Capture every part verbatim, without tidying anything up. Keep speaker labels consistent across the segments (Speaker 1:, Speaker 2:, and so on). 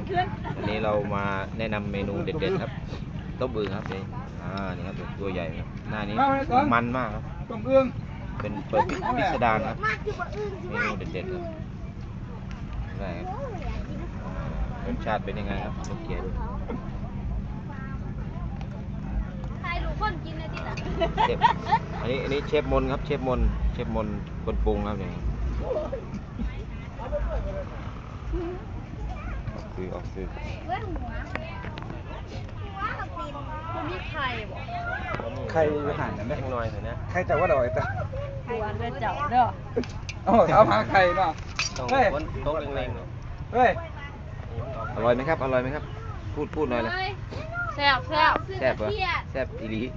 Speaker 1: วันนี้เรามาแนะนำเมนูเด็ดๆครับต้มอึ่งครับนี่อ่านี่ครับตัวใหญ่ครับหน้านี้มันมากครับต้มอึ่งเป็นเปิดพิสดารครับเมนูเด็ดๆครับได้ครับรสชาติเป็นยังไงครับลูกเกียร์ดู
Speaker 2: ใครรู้คนกินนะที่หลัง
Speaker 1: เชฟอันนี้อันนี้เชฟมนครับเชฟมนเชฟมนคนปรุงครับนี่คือออกซื้อ
Speaker 2: เว้ยหัวหัวกับตีนมันมีไข่บ่
Speaker 3: ไข่หันได้
Speaker 1: หน่อยเถอะนะ
Speaker 3: ไข่แต่ว่าดอยแต่
Speaker 2: หัวเด้อเจ้าเด้อ
Speaker 3: โอ้เอาหาไข่เนาะ
Speaker 1: เฮ้ยโต๊ะเล็ง
Speaker 3: ๆเฮ้ย
Speaker 1: อร่อยไหมครับอร่อยไหมครับพูดพูดหน่อยเลย
Speaker 2: แซ่บแซ่บ
Speaker 1: แซ่บเหรอแซ่บอีหลี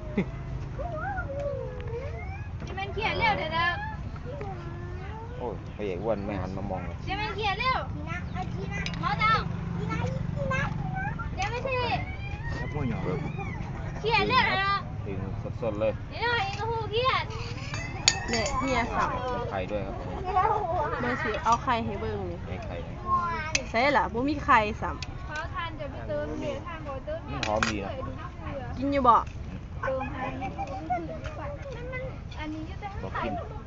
Speaker 2: จะเป็นเขียดเร็วเดี๋ยวนะ
Speaker 1: โอ้ยพระเอกอ้วนไม่หันมามองเลย
Speaker 2: จะเป็นเขียดเร็วมาเจ้าเดี๋ยวไม่ใช่เขียดเร็วนะ
Speaker 1: ถึงสดๆเลย
Speaker 2: นี่หน่อยก็หูเขียด
Speaker 4: เนี่ยเฮียสั่ง
Speaker 1: ไข่ด้วยครับ
Speaker 4: เมื่อสิเอาไข่ให้เบิ่งนี่
Speaker 1: ให้ไข่
Speaker 4: ใช่ล่ะบ่มีไข่ซ้ำ
Speaker 2: เขาทานจะไปเติมเดี๋ยวทานบ่เติม
Speaker 1: มันหอมดีนะ
Speaker 4: กินอยู่บ่
Speaker 2: เติมให้อันนี้จะได้
Speaker 1: บอกกิน